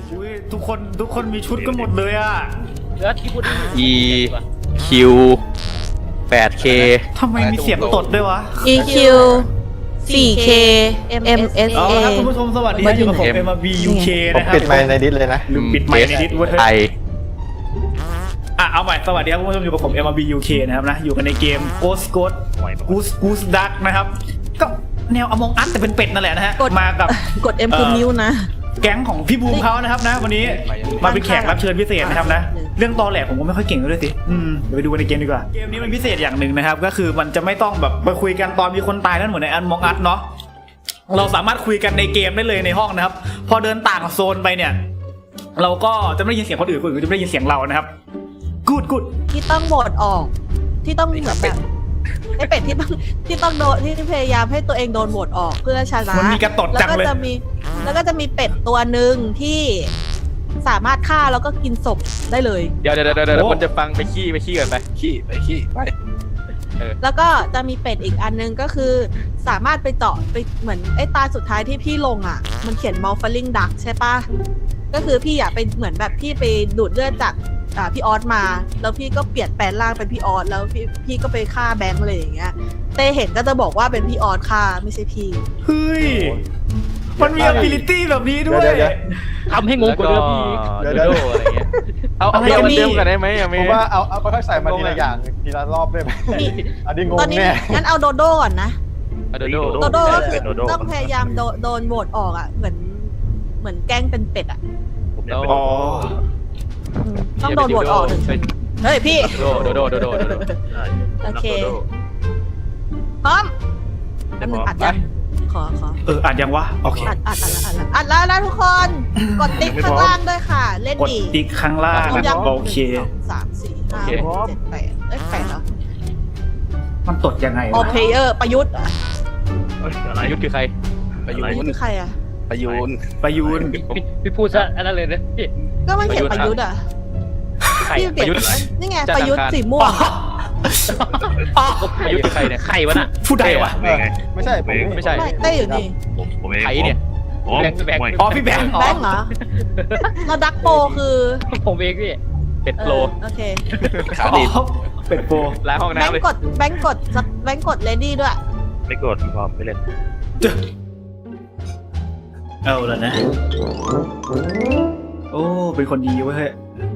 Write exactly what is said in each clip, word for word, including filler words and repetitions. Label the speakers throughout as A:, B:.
A: อุ้ยทุกคนทุกคนมีชุดกันหมดเลยอ่ะ
B: เลือดที่พูดได้
C: E Q แปด เค
A: ทำไมมีเสียงตดด้วยวะ
D: อี คิว โฟร์เค เอ็ม เอส
A: เอา
D: เอ
A: ละครับคุณผู้ชมสวัสดีนะอยู่กับผม
C: M
A: เอ็ม บี ยู เค
E: ผม
A: นะครับ
E: ปิดไมค์ในดิสเลยนะ
A: ลืมปิดไมค์ในดิสเว้ย
C: ไอ
A: อ่ะเอาใหม่สวัสดีครับคุณผู้ชมอยู่กับผม เอ็ม บี ยู เค นะครับนะอยู่กันในเกม Ghost Ghost Goose Goose Duck นะครับก็แนว Among Us แต่เป็นเป็ดนั่นแหละนะฮะมากับ
D: กด M คือนิ้วนะ
A: แก๊งของพี่บูมเขานะครับนะวันนี้มาเป็นแขกรับเชิญพิเศษนะครับนะเรื่องตอแหลผมก็ไม่ค่อยเก่งด้วยสิอืมเดี๋ยวไปดูกันในเกมดีกว่าเกมนี้มันพิเศษอย่างหนึ่งนะครับก็คือมันจะไม่ต้องแบบไปคุยกันตอนมีคนตายนั่นเหมือนใน Among Us เนาะเราสามารถคุยกันในเกมได้เลยในห้องนะครับพอเดินต่างโซนไปเนี่ยเราก็จะไม่ได้ยินเสียงคนอื่นคนอื่นจะไม่ได้ยินเสียงเรานะครับกูดกูด
D: ที่ต้องโหวตออก ที่ต้องเหมือนแบบไอเป็ดที่ต้องที่ต้องโดนที่พยายามให้ตัวเองโดนโหวตออกเพื่อชนะ
A: มันมีกระตด
D: แล้ว
A: จัง
D: ก็
A: เลย
D: จะมีแล้วก็จะมีเป็ดตัวหนึ่งที่สามารถฆ่าแล้วก็กินศพได้เลย
C: เดี๋ยวเดี๋ยวเดี๋ยวเดี๋ยวคนจะฟังไปขี้ไปขี้กันไป
E: ขี้ไปขี้ไป
D: แล้วก็จะมีเป็ดอีกอันนึงก็คือสามารถไปเจาะไปเหมือนไอ้ตาสุดท้ายที่พี่ลงอ่ะมันเขียน Malfalling Duck ใช่ปะก็คือพี่อยากไปเหมือนแบบพี่ไปดูดเลือดจากอ่าพี่ออสมาแล้วพี่ก็เปลี่ยนแปลงร่างเป็นพี่ออสแล้วพี่พี่ก็ไปฆ่าแบงค์เลยอย่างเงี้ยเต้เห็นก็จะบอกว่าเป็นพี่ออสฆ่าไม่ใช่พี่
A: เฮ้ยมันมี ability แบบนี้ด้วย
E: เดี๋ยวเดี๋ยว
B: ทำให้งงกว่าเดิมอีก
C: เดี๋ยวเดี๋ยวอะไรเงี้ยเอาเอาเดิมเดิมกันได้ไหมอะ
E: ผ
C: เม
E: มว่าเอาเอาค่อยๆใส่มาทีละอย่างทีละรอบได้ไหม
D: นี่
E: อันนี้ง
D: ตอง นนี้
E: แน่
D: งั้นเอาโดโด้ก่อนนะ
C: โดโด
D: โดโด้ก็คือต้องพยายามโดโดนโหวตออกอ่ะเหมือนเหมือนแกล้งเป็นเป็ดอ่ะ
A: อ๋อ
D: อืมต้องโดนโหวตออกถึงเฮ้ยพี่
C: โดโดโดโดโดโด
D: โอเคพร้อมแป๊บนึงอัดยังขอขอ
A: เอออ่านยังวะโอเค
D: อัดอัดอัดแล้วอัดแล้วอัดแล้วนะทุกคนกดติ๊กข้างล่างด้วยค่ะ เล่น
A: กด
D: ดี
A: ติ๊กข้างล่าง
D: พร้อม
A: นะ
D: ยัง
A: โอเค
D: หนึ่งสองสามสี่ห้าหกเจ็ดแปดเอ้ยแปดเหรอ
A: มันตดยังไง
D: ออ
A: วะ
D: เพเยอร์ประยุทธ์อะ
C: ยุทธคือใคร
E: ประยุ
D: ประ
E: น
D: ยุทธ์คือใครอ่ะ
E: ประยุน
A: ประยูน
B: พี่พี่พูดซะอันนั้นเลยนะพี่
D: ก็มันเขียนประยุทธ์อ่ะ
C: ใคร
D: พี่เปลี่
C: ป
D: ย
C: ระยุทธ์
D: นนี่ไงประยุทธ์สีม่วง
C: ประยุทธ์คือใครเนี่ย
B: ใครวะน่ะ
A: ผู้ใดวะ
E: ไม่ใช่ผม
C: ไม่ใช่
D: ไม่เต้อยู่นี่
F: ผมผมเอง
C: ใครเนี่ย
F: ผม
C: แบงค์แบงค์
A: อ๋อพี่แบงค์
D: แบงค์เหรอแล้วดักโปคือ
B: ผมเองพี่
C: เป็ด
D: เอ
C: โล
D: อโอเค
E: ขา
A: อ๋
E: ดี
A: อเป็ดโป
C: ล้างห้อง
D: แบง
C: น้ำเลย
D: ค์กดแบงค์กดแบงค์กดเลดี้ด้วย
F: ไม่กดมีความไม่เล่น
A: เอาแล้วนะ โอ้เป็นคนดีเว้ยเฮ้ย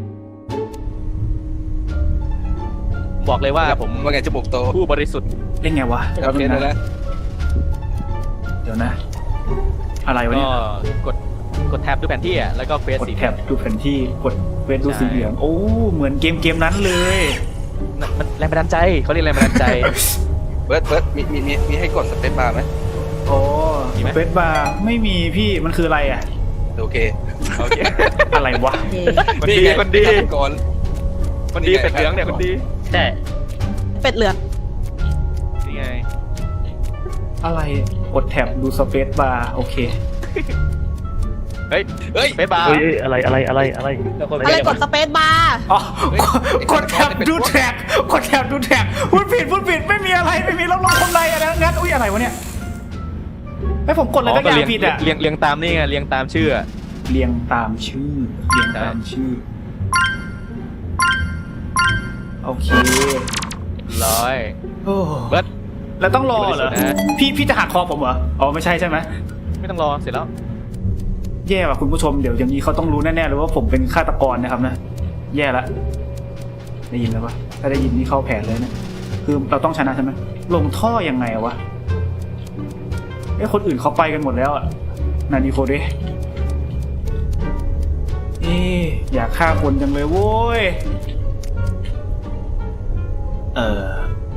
C: บอกเลยว่าผม
E: ว่าไงจมูกโต
C: ผู้บริสุทธิ์
A: เล่นไงวะ
E: โอเคเลยนะ
A: เดี๋ยวนะ อะไรวะ
C: ก็
A: เนี่ย
C: กดกดแท็บดูแผนที่อ่ะแล้วก็เควส
A: กด
C: สี
A: แท็บดูแผนที่กดเฟซดูสีเหลืองโอ้เหมือนเกมเกมนั้นเลย
C: มันแรงบันดาลใจเขาเรียกแรงบันดาลใจ
E: เบิร์ดเบิร์ดมีมีมีมีให้กดสเปซบาร์ไหม
A: โอ้
C: มีไหม
A: เฟซบาร์ไม่มีพี่มันคืออะไรอะ
E: โอเค
C: โอเค
A: อะไรวะ
D: โอเค
C: คนดีคนดี
E: ก่อน
C: คนดีเป็ดเหลืองเนี่ยคนดี
B: ใช่
D: เป็ดเหลือง
C: นี่ไง
A: อะไรกดแท็บดูสเปซบาร์โอเค
C: เฮ้ย
E: เฮ้ย
C: ไปบาร์
F: เฮ้ยอะไรอะไรอะไรอะไร
D: อะไรกดสเปซบาร์
A: อ๋อกดแท็บดูแท็บกดแท็บดูแท็บพูดผิดพูดผิดไม่มีอะไรไม่มีรับรองคนใดอะไรงั้นอุ้ยอะไรวะเนี่ยไอผมกดอะไรก็อย่างผิดอะ
C: เรียงเรียงตามนี่ไงเรียงตามชื่อ
A: เรียงตามชื่อเรียงตามชื่อโอเค
C: ร้อย
A: โอ้
C: เบิร์ด
A: แล้วต้องรอเหรอ
C: ไม่ได้นะ
A: พี่พี่จะหักคอผมเหรออ๋อไม่ใช่ใช่ไหม
C: ไม่ต้องรอเสร็จแล้ว
A: แย่ว่ะคุณผู้ชมเดี๋ยวอย่างนี้เขาต้องรู้แน่ๆเลยว่าผมเป็นฆาตกรนะครับนะแย่ละได้ยินแล้วปะถ้าได้ยินนี่เข้าแผนเลยนะคือเราต้องชนะใช่ไหมลงท่อยังไงวะเอ้คนอื่นเขาไปกันหมดแล้วอะนาดีโคเดเอ๊ะอยากฆ่าคนจังเลยโว้ยเออ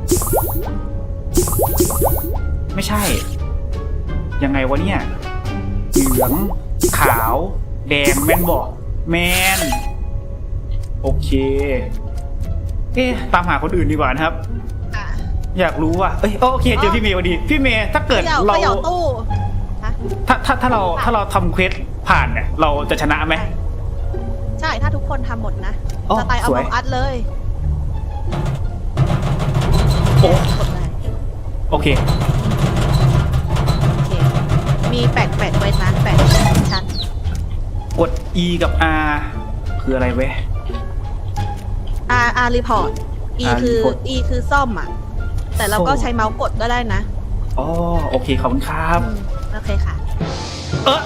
A: ไม่ใช่ยังไงวะเนี่ยเหลืองขาวแดงแมนบอกแมนโอเคเอ๊ะตามหาคนอื่นดีกว่านะครับ
D: อ่ะ
A: อยากรู้ว่าเอ้ยโอเคเจอพี่เมย์พอดีพี่เมย์ถ้าเกิด
D: เขย่า
A: เรา
D: เขย่าตู้ฮะ
A: ถ้าถ้าถ้าเราถ้าเราทำเควสผ่านเนี่ยเราจะชนะไหม
D: ใช่ถ้าทุกคนทำหมดนะ
A: อ๋อ
D: สไตล์เอา
A: สวย
D: บองอัดเลย
A: โอ้
D: กดเลย
A: โอเค
D: โอเคมีแปดแปดเวทนะแปดชั้น
A: กด E กับ R คืออะไรเว้ย
D: R R report E
A: R
D: คือ
A: report
D: E คือซ่อมอ่ะ แต่เราก็ใช้เมาส์กดก็ได้นะ
A: อ๋อโอเคขอบคุณครับ
D: อืมโอเคค่ะ
A: เออ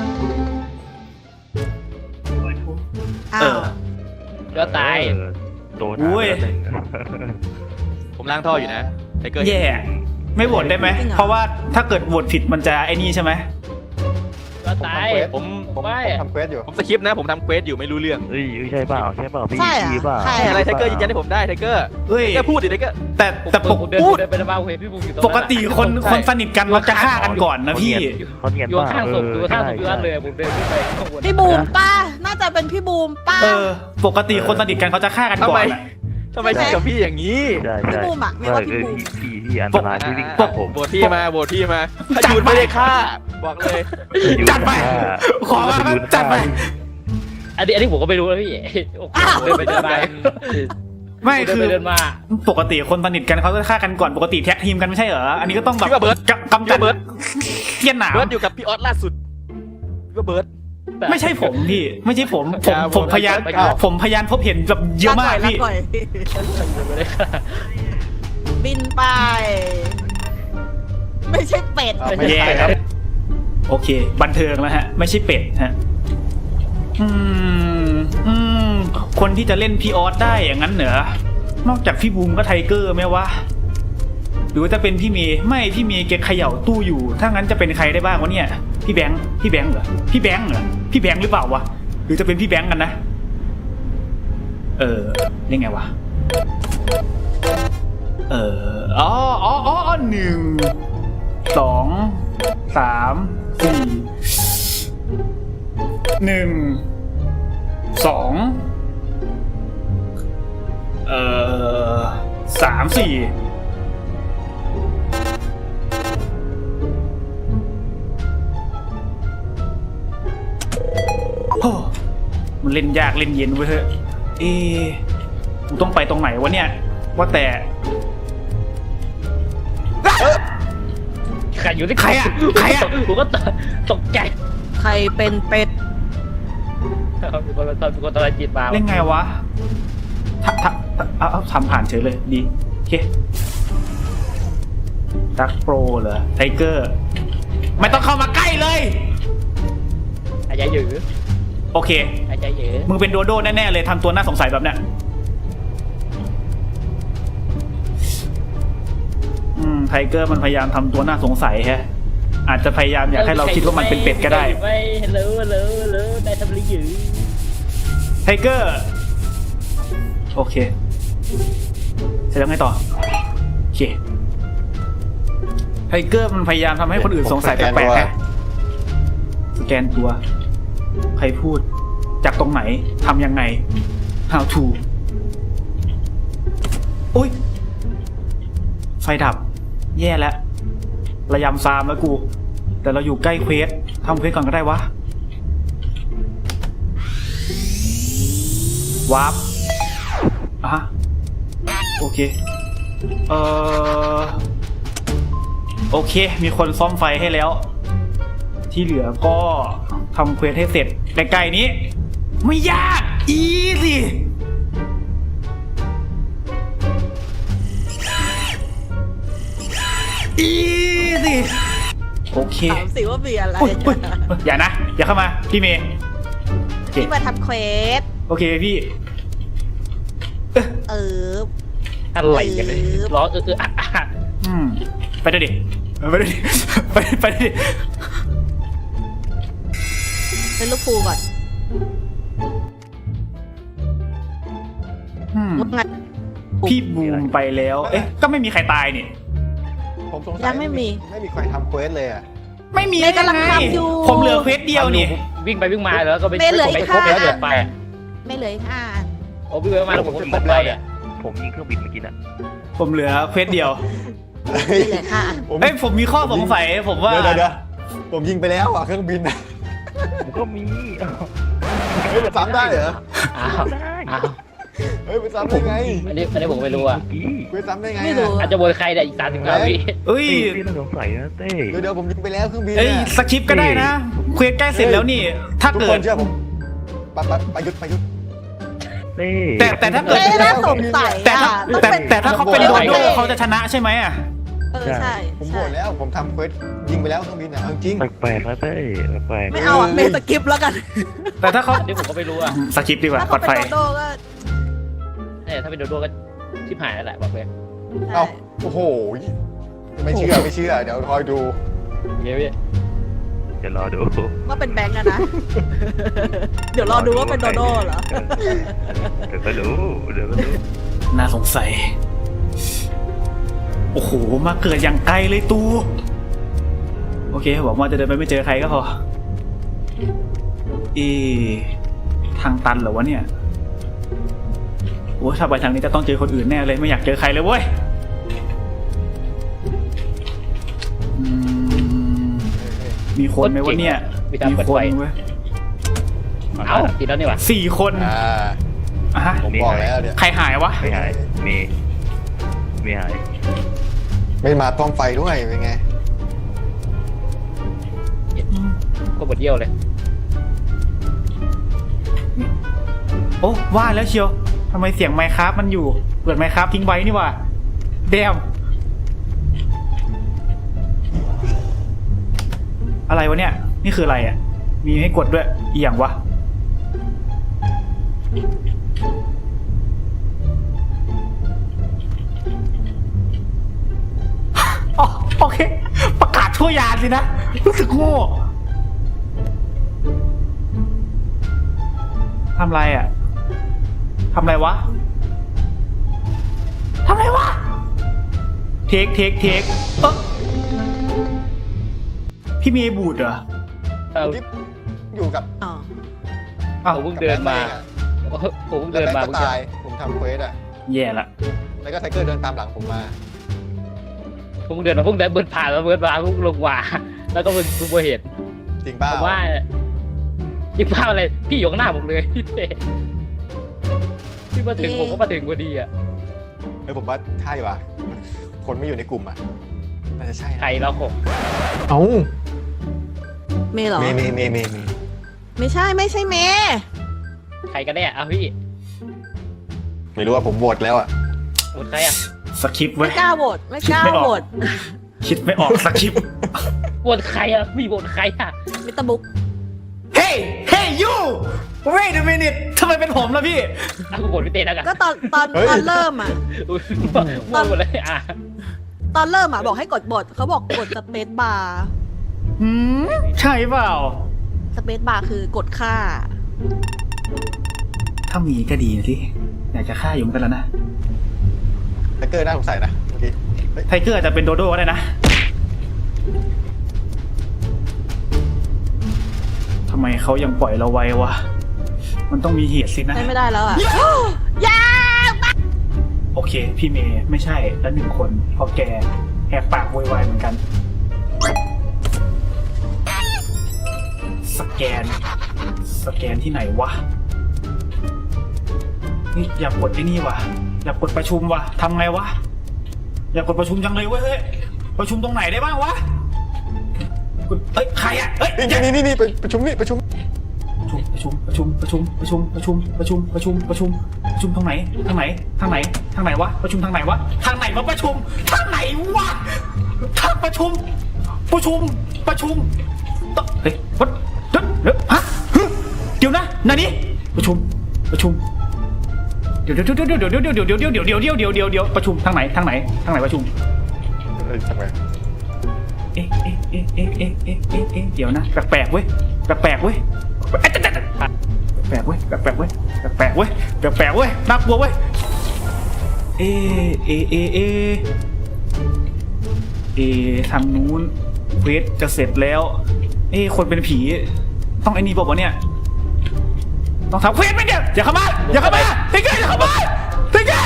D: อ้า
A: เอ
D: ว
A: อ
B: เลือดตาย
F: เออโดน
A: อุ้ย
F: หาไปแล้วหนึ่ง
C: ผมล้างท่ออยู่นะไทเกอร์
A: แย่ไม่โหวตได้ไหม
D: จริงเหรอ
A: เพราะว่าถ้าเกิดโหวตผิดมันจะไอ้นี่ใช่ไหม
B: เลือดตาย
C: ผม
G: ผม
B: ไม่
G: ผมทำเควสอยู่
C: ผมสคริปต์นะผมทำเควสอยู่ไม่รู้เรื่อง
F: เอ้ยใช่เปล่าใช่เปล่าพี่
D: ใช่เหรอ
F: พี่เปล่า
D: ใช่
C: ใช่อะไรไทเกอร์ยืนยันให้ผมได้ไทเกอร์
A: เฮ้ย
C: ไทเกอร์พูดดิไทเกอร์
A: แต่แต่ปก
B: ผมเดิน
A: พูด
B: เดินไปในบ้านเห็นพี่บูมอยู่ตรง
A: ป
B: นั้น
A: กติคนคนสนิทกันเราจะฆ่ากันก่อนนะพี่
F: เขาเนียน
B: อยู่
F: เปล่า
B: ข้างศพอยู่ข้างศพอยู่
F: ใช่
B: นั่นเลยผมเดินขึ้นไปข้างบน
D: พี่บูมป้า น่าจะเป็นพี่บูมป้า
A: เออ ปกติคนสนิทกันเขาจะฆ่ากัน
C: ทำ
A: ก่อ
C: ไม
A: นอะ
C: ทำไมคิดกับพี่อย่างนี้
F: ใช่
D: พี่
F: ใช่
D: บูมอะไม่
F: ไม่
D: ว่าพี่
F: เออ
D: บูม
F: พี่พี่พี่อันตรายที่วิ่ง
C: อ่ะ
F: ตามผม
C: โหวตพี่มาโหวตพี่มาถ้าจูนไม่ได้ฆ่าบอกเลย
A: จัดไป ขอมาจัดไป
B: อันนี้อันนี้ผมก็ไม่รู้นะพี่โอ้โหเดินไปเดินมา
A: ไม่
B: เดิน
A: คือ
B: ไปเดินมา
A: ปกติคนสนิทกันเขาจะฆ่ากันก่อนปกติแท็กทีมกันไม่ใช่เหรออันนี้ก็ต้องแบบ
C: พี่ว่าเบิร์ด
A: กำกำจัด
C: พี่ว่าเบิร์ด
A: เทียนหนาม
C: เบิร์ดอยู่กับพี่ออสล่าสุดพี่ว่าเบิร์ด
A: ไม่ใช่ผมพี่ ไม่ใช่ผมผม
C: อย่า
A: ผมพยาน
C: ไปก่อน
A: ผมพยานพบเห็นแบบเยอะมากพี่
D: ลก่อยบินไป ไม่ใช่เป็ด
G: อ่ะไม่
A: แย่
G: ใช่
A: ครับ โอเค บันเทิงแล้วฮะ ไม่ใช่เป็ดฮะ อืม อืม คนที่จะเล่นพี่ออสได้อย่างนั้นเหรอนอกจากพี่บูมก็ไทเกอร์ไหมวะ หรือว่าจะเป็นพี่เมย์ไม่พี่เมย์แกเขย่าตู้อยู่ ถ้างั้นจะเป็นใครได้บ้างวะเนี่ย พี่แบงค์พี่แบงค์เหรอพี่แบงค์เหรอพี่แบงค์หรือเปล่าวะหรือจะเป็นพี่แบงค์กันนะ เออยังไงวะ เอออ๋ออ๋ออ๋อหนึ่งสองสามสี่หนึ่งสองเอ่อสามสี่โอ้มันเล่นยากเล่นเย็นเว้ยเฮ้ยเอ๊ะกูต้องไปตรงไหนวะเนี่ย ว่าแต่
B: ใครอยู่ที่
A: ใครอะใครอะ
B: ผมก็ตกใจ
D: ใครเป็นเป็ด
B: มีคนตอนมีคนตะไลจีบมา
A: เล่นไงวะทำทำเอาเอาทำผ่านเฉยเลยดีโอเคดักโปรเหรอไทเกอร์ ไม่ต้องเข้ามาใกล้เลย
B: อาจารย์หยือ
A: โอเค
B: อาจารย์หยือ
A: มึงเป็นโดโด้แน่ๆเลยทำตัวน่าสงสัยแบบเนี้ยอืมไทเกอร์มันพยายามทำตัวน่าสงสัยแฮะ อาจจะพยายามอยากให้เราคิดว่ามันเป็นเป็ดก็ได้
B: ไม่ฮัลโหลฮัลโหลฮัลโหลนายทำอะไรอยู่
A: ไทเกอร์ โอเค เสร็จแล้วไงต่อ โอเค ไทเกอร์มันพยายามทำให้คนอื่นสงสัยแปลกๆฮะสแกนตัว ใครพูด จากตรงไหน ทำยังไง how to อุ้ย ไฟดับ แย่แล้ว ระยำซามแล้วกู แต่เราอยู่ใกล้เควสทำเควสก่อนก็ได้วะ วาร์ปอ่ะฮะโอเค เอ่อ โอเค มีคนซ่อมไฟให้แล้ว ที่เหลือก็ทำเควสให้เสร็จใกล้ๆนี้ ไม่ยาก อีสิอีสิโอเค
D: ถามสิว่ามีอะไร
A: อุ๊ยอุ๊ยอย่านะ อย่าเข้ามา พี่เมย์โอเค
D: ที่มาทำเควส
A: โอเคพี่
D: เออ
B: อะไรกันเลยร้องเออเอออ่ะอ่ะ
A: อืม ไปด้วยดิเออไปด้วยดิ ไปไปด้วยดิ
D: เป็นลูกครูก่อน
A: อืม
D: ว่าไง
A: พี่บูมไปแล้ว เอ๊ะ ก็ไม่มีใครตายนี่
G: ผมสงสัย
D: ยังไม่มี
G: ไม่มีใครทำเควสเลยอ่ะ
A: ไม่มี
D: เมย์กำลังทำอยู่
A: ผมเหลือเควสเดียวนี่
B: วิ่งไปวิ่งมาแล้วก็ไป
D: ไม่เหลือ
B: ไป
D: อีก
B: ครบแล้ว
D: ห้า
B: เดือดไป
D: ไม่เหลืออีกห้าอัน
B: โอ้วิ่งไปวิ่งมาแล้วผมก็
F: ผม
B: ครบ
F: ไป
B: แล้ว
F: เนี่
B: เนี่ย ย
F: ผมยิงเครื่องบินเมื่อกี้น่ะ
A: ผมเหลือเควสเดียว
D: ไม่เหลือห้าอัน
G: ผม
A: เอ้ย ผมมีข้อสงสัย ผมว่า
G: เดี๋ยวเดี๋ยวเดี๋ยวผมยิงไปแล้วอ่ะเครื่องบินอะ
F: ผมก็มี
G: เฮ้ยมันซ้ำได้เหรอ
B: อ้าว
F: ได้
B: อ้าว
G: เฮ้ยมันซ้ำได้ไง
B: อันนี้อันนี้ผมไม่รู้อ่ะ
F: เมื่อกี้
G: เควสซ้ำได้ไง
D: ไม่รู้
B: อาจจะบนใครเนี่ยอีกสามสิบเก้าวิ
A: เอ้ย
F: พี่พี่ต้องสงสัยนะเต้
G: เดี๋ยวเดี๋ยวผมยิงไปแล้วเครื่องบิน
A: เอ้ย
G: อะ
A: สคริปต์ก็ได้นะเควสใกล้เสร็จแล้วนี่ ถ้า
G: ทุก
A: เกิ
G: ค
A: ด
G: นเชื่อผมปะปะประยุทธ์ประยุทธ์
F: นี่
A: แต่แต่ถ้าเกิด
D: ไม่น่าสงสัย
A: แต่ถ้า
D: อ่ะต้อง
A: แต่
D: เป็น
A: แต่ถ้าเขาเป็นโดโดเขาจะชนะใช่ไหมอ่ะ
D: เออใช่
G: ผมโห
D: ใช่
G: วตแล้วผมทำเควสยิงไปแล้วเครื่องบินอ่ะเอาจริง
F: แปลกๆนะเต้ยแปลกๆ
D: ไม่เอาอ่ะเมสกิปแล้วกัน
A: แต่ถ้าเขา
B: อันนี้ผมก็ไม่รู้อะ
A: สคริปต์ดีกว่า
D: ถ้า
A: ปลอ
D: เขา
A: ด
D: เป็น
A: ภัย
D: โดโดก็
B: เนี่ยถ้าเป็นโดโดก็ชิบหายแล้วแหละบอกเลย
D: ใช่
G: เอาโอ้โหไม่เชื่อไม่เชื่อเดี๋ยวคอยดู
B: เงี้ยพี่
F: เดี๋ยวรอดู
D: ว่าเป็นแบงก์อะนะ เดี๋ยวรอดูว่าเป็นโดโดเหรอ
F: เดี๋ยวก็รู้เดี๋ยวก็รู้
A: น่าสงสัย โอ้โห มาเกิดอย่างไกลเลยตู โอเคบอกว่าจะเดินไปไม่เจอใครก็พอเอทางตันเหรอวะเนี่ยโอ้ถ้าไปทางนี้จะต้องเจอคนอื่นแน่เลย ไม่อยากเจอใครเลยเว้ยอืมมีคนไหมวะเนี่ย
B: มีการ
A: มี
B: เปิด
A: ค
B: ไฟ
A: นเว้ย
B: เอ้าติดแล้วนี่หว่า
A: สี่คน
G: อ่า
A: อ่ะฮะ
G: ผมบอกแล้วเนี่ย
A: ใครหายวะ
F: ไม่หายมีไม่หาย
G: ไม่มาป้อมไฟด้วยเป็นไง
B: ก็บดเยี่ยวเลย
A: โอ้ว่าแล้วเชียวทำไมเสียงไมค์ครับมันอยู่ เปิดไมค์ครับทิ้งไว้นี่หว่าเดมอะไรวะเนี่ย นี่คืออะไรอ่ะ มีให้กดด้วยอีหยังวะ อ๋อโอเค ประกาศชั่วยานสินะ รู้สึกโง่ทำไรอ่ะทำไรวะทำไรวะ เทคเทคเทคเออพี่เมย์บูดเหรอ
B: เอ้า
G: ที่อยู่กับ
D: อ๋อ
A: อ้าว
B: ผมเพิ่งเดินมา
G: กับ
B: ผมเพิ่ง
G: แบง
B: เดิน
G: ค์
B: มา
G: ก็
B: เมื่อกี้
G: ตายผมทำเควสอ่ะ
A: แย่ละ
G: แล้วก็ไทเกอร์เดินตามหลังผมมา
B: ผมเพิ่งเดินมาเพิ่งเดินเบิร์ดผ่านมาเบิร์ดมาเพิ่งลงว่าแล้วก็เพิ่งเพิ่งมาเห็น
G: จริงเปล่า
B: ผมว่ายิ่งภาพอะไรพี่อยู่ข้างหน้าผมเลยพี่เต้พี่มาถึงผมก็มาถึงพอดีอ่ะ
G: เฮ้ยผมว่าใช่ว่ะคนไม่อยู่ในกลุ่มอ่ะน่าจะใช่นะ
B: ใครแล้วหก
G: เอ้า
D: เมย์เหรอ
G: เมย์เมย์เมย์เมย์เมย์
D: ไม่ใช่ไม่ใช่เมย์
B: ใครกันแน่อ่ะพี่
G: ไม่รู้ว่าผมโหวตแล้วอ่ะ
B: หมดใครอ่ะ
A: สคริปต์เว้
D: ไม่
A: ย
D: กล้าโหวตไม่กล้า
A: ไม่ออก
D: โหวต
A: คิดไม่ออกสคริปต์
B: หมดใครอ่ะพี่หมดใครอ่ะ
D: มิสเตอร์บุ๊ก
A: เฮ้ยเฮ้ยยู wait a minute ทำไมเป็นผมล่ะพี่
B: อ่ะกูหมดพี่เต้แล้วกัน
D: ก็ตอนตอนตอนเริ่มอ่ะ
B: อุ๊ยหมดหมดเลยอ่ะ
D: ตอนเริ่มอ่ะบอกให้กดบทเขาบอกกดสเปซบาร์
A: หืมใช่เปล่า
D: สเปซบาร์คือกดค่า
A: ถ้ามีก็ดีนะสิอยากจะฆ่าอยู่เหมือนกันแล้วนะ
G: ไทเกอร์น่าสงสัยนะเมื่อกี้เฮ้ย
A: ไทเกอร์อาจจะเป็นโดโด้ก็ได้นะ ทำไมเขายังปล่อยเราไว้วะ มันต้องมีเหตุสินะ
D: ใช้ไม่ได้แล้วอ่ะยา
A: โอเค พี่เมย์ไม่ใช่แล้วหนึ่งคนเพราะแกแหกปากโวยวายเหมือนกัน สแกน สแกนที่ไหนวะ นี่อยากกดไอ้นี่วะอยากกดประชุมวะทำไงวะ อยากกดประชุมจังเลยเว้ยเฮ้ยประชุมตรงไหนได้บ้างวะกดเอ้ยใครอะเอ้ย
G: นี่นี่นี่นี่ไปประชุมนี่ประชุม
A: ประชุมประชุมประชุมประชุมประชุมประชุมประชุมประชุมประชุมทางไหนทางไหนทางไหนทางไหนวะประชุมทางไหนวะทางไหนมาประชุมทางไหนวะทางประชุม ประชุมประชุมต้องเฮ้ยวัดเดี๋ยวเดี๋ยวฮะเดี๋ยวนะนานี่ประชุมประชุมเดี๋ยวเดี๋ยวเดี๋ยวเดี๋ยวเดี๋ยวเดี๋ยวเดี๋ยวเดี๋ยวเดี๋ยวเดี๋ยวเดี๋ยวเดี๋ยวเดี๋ยวประชุมทางไหนทางไหนทางไหนประชุม
G: เอ้ยทำไม
A: เอ๊ะเอ๊ะเอ๊ะเอ๊ะเอ๊ะเอ๊ะเอ๊ะเอ๊ะเดี๋ยวนะแปลกๆเว้ยแปลกๆเว้ยแปลกๆเว้ยแปลกๆเว้ยแปลกๆเว้ยแปลกๆเว้ยน่ากลัวเว้ยเอ๊ะเอ๊ะเอ๊ะเอ๊ะเอ๊ะทางนู้นเควสจะเสร็จแล้วเอ๊ะคนเป็นผีต้องไอ้นี่บอกว่าวะเนี่ยต้องทำเควสไหมเนี่ยอย่าเข้ามาอย่าเข้ามาติ๊กเกอร์อย่าเข้ามาติ๊กเกอร์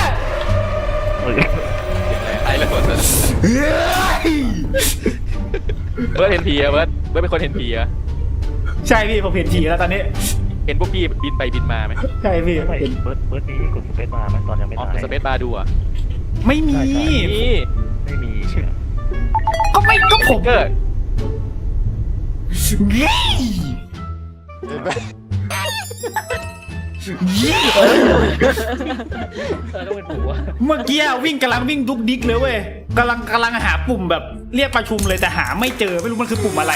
C: ไอ้เลย
A: เฮ้ย
C: เบิร์ดเห็นผีอะเบิร์ดเบิร์ดเป็นคนเห็นผีอะ
A: ใช่พี่ผมเห็นผีแล้วตอนนี้
C: เห็นพวกพี่บินไปบินมาไหม
A: ใช่พี่
F: ไม่
A: เห็น
F: เบิร์ดเบิร์ดนี้กดสเปซมาไหมตอนยังไม่
C: อ๋อ
F: ตาย
C: สเปซบาร์ดูอะ
A: ไม่มี
C: นี่
F: ไม่มี
A: ก็ไม่ก็ผม
C: เกอร์
A: เย้
G: เห็นไหม
A: เย้
B: เออต้องเป็นผมวะ
A: เมื่อกี้วิ่งกำลังวิ่งดุกดิกเลยเว้ยกำลังกำลังหาปุ่มแบบเรียกประชุมเลยแต่หาไม่เจอไม่รู้มันคือปุ่มอะไร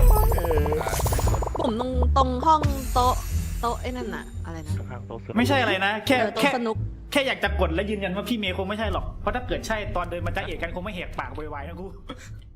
D: ปุ่มตรงตรงห้องโต๊ะโต๊ะไอ้นั่นน่ะอะไรนะ
F: ข้างๆโต๊ะสนุก
A: ไม่ใช่อะไรนะ แค่
D: เออโต๊ะ
A: แค่
D: สนุก
A: แค่อยากจะกดและยืนยันว่าพี่เมย์คงไม่ใช่หรอกเพราะถ้าเกิดใช่ตอนเดินมาจ้าเอกกันคงไม่แหกปากโวยวายนะกู